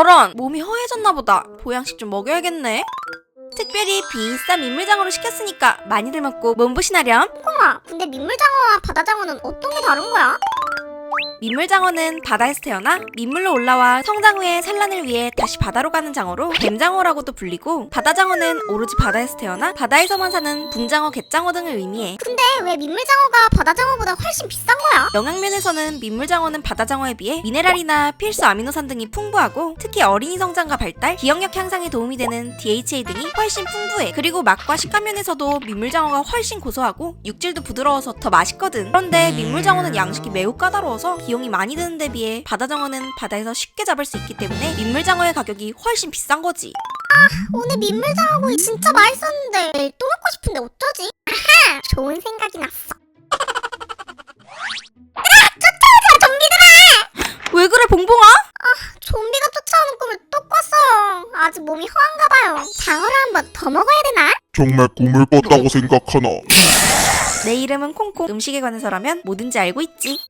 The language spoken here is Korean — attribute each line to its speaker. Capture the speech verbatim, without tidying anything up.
Speaker 1: 저런, 몸이 허해졌나 보다. 보양식 좀 먹여야겠네. 특별히 비싼 민물장어로 시켰으니까 많이들 먹고 몸보신하렴.
Speaker 2: 콩아, 근데 민물장어와 바다장어는 어떤 게 다른 거야?
Speaker 1: 민물장어는 바다에서 태어나 민물로 올라와 성장 후에 산란을 위해 다시 바다로 가는 장어로 뱀장어라고도 불리고, 바다장어는 오로지 바다에서 태어나 바다에서만 사는 붕장어, 갯장어 등을 의미해.
Speaker 2: 근데 왜 민물장어가 바다장어보다 훨씬 비싼 거야?
Speaker 1: 영양면에서는 민물장어는 바다장어에 비해 미네랄이나 필수 아미노산 등이 풍부하고, 특히 어린이 성장과 발달, 기억력 향상에 도움이 되는 디에이치에이 등이 훨씬 풍부해. 그리고 맛과 식감 면에서도 민물장어가 훨씬 고소하고 육질도 부드러워서 더 맛있거든. 그런데 민물장어는 양식이 매우 까다로워서 비용이 많이 드는 데 비해 바다장어는 바다에서 쉽게 잡을 수 있기 때문에 민물장어의 가격이 훨씬 비싼 거지.
Speaker 2: 오늘 민물장어구이 진짜 맛있었는데 내일 또 먹고 싶은데 어쩌지? 아하! 좋은 생각이 났어. 얘들아! 쫓아오자! 좀비들아!
Speaker 1: 왜 그래, 봉봉아?
Speaker 2: 좀비가 쫓아오는 꿈을 또 꿨어요. 아직 몸이 허한가 봐요. 장어를 한 번 더 먹어야 되나?
Speaker 3: 정말 꿈을 꿨다고 생각하나?
Speaker 1: 내 이름은 콩콩. 음식에 관해서라면 뭐든지 알고 있지.